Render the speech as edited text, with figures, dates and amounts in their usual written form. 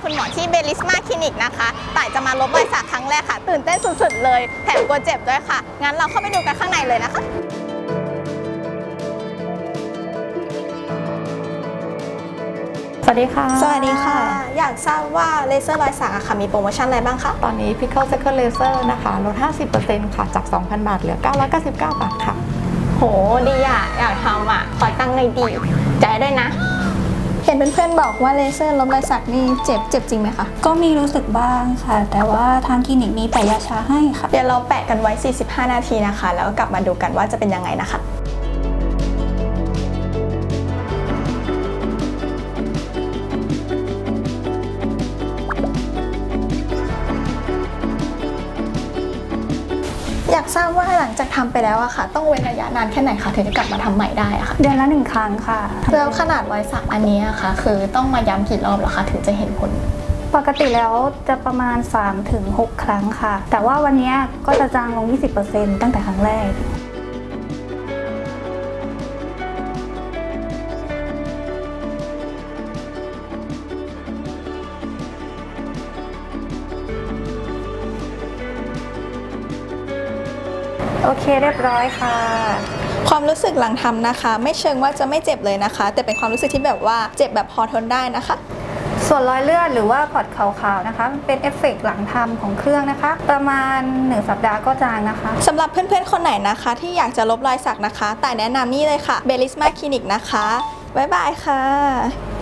คุณหมอที่เบลิสมาคลินิกนะคะต่ายจะมาลบรอยสักครั้งแรกค่ะตื่นเต้นสุดๆเลยแถมกลัวเจ็บด้วยค่ะงั้นเราเข้าไปดูกันข้างในเลยนะคะสวัสดีค่ะสวัสดีค่ะอยากทราบว่าเลเซอร์รอยสักอะค่ะมีโปรโมชั่นอะไรบ้างคะตอนนี้ Pickle Second Laser นะคะลด 50% ค่ะจาก 2,000 บาทเหลือ 999 บาทค่ะโหดีอะอยากทำอะขอตั้งหน่อยดีใจด้วยนะเห็นเพื่อนๆบอกว่าเลเซอร์ลบรอยสักนี่เจ็บจริงไหมคะก็มีรู้สึกบ้างค่ะแต่ว่าทางคลินิกมีแปะยาชาให้ค่ะเดี๋ยวเราแปะกันไว้45นาทีนะคะแล้วกลับมาดูกันว่าจะเป็นยังไงนะคะอยากทราบว่าหลังจากทำไปแล้วอะค่ะต้องเว้นระยะนานแค่ไหนคะถึงจะกลับมาทำใหม่ได้อะค่ะเดือนละ1 ครั้งค่ะแล้วขนาดรอยสักอันนี้อะค่ะคือต้องมาย้ำกี่รอบเหรอคะถึงจะเห็นผลปกติแล้วจะประมาณ 3-6 ครั้งค่ะแต่ว่าวันนี้ก็จะจางลง 20% ตั้งแต่ครั้งแรกโอเคเรียบร้อยค่ะความรู้สึกหลังทำนะคะไม่เชิงว่าจะไม่เจ็บเลยนะคะแต่เป็นความรู้สึกที่แบบว่าเจ็บแบบพอทนได้นะคะส่วนรอยเลือดหรือว่าพอดขาวๆนะคะเป็นเอฟเฟกต์หลังทำของเครื่องนะคะประมาณ1 สัปดาห์ก็จางนะคะสำหรับเพื่อนๆคนไหนนะคะที่อยากจะลบรอยสักนะคะแต่แนะนำนี่เลยค่ะเบลิสมาคลินิกนะคะบ๊ายบายค่ะ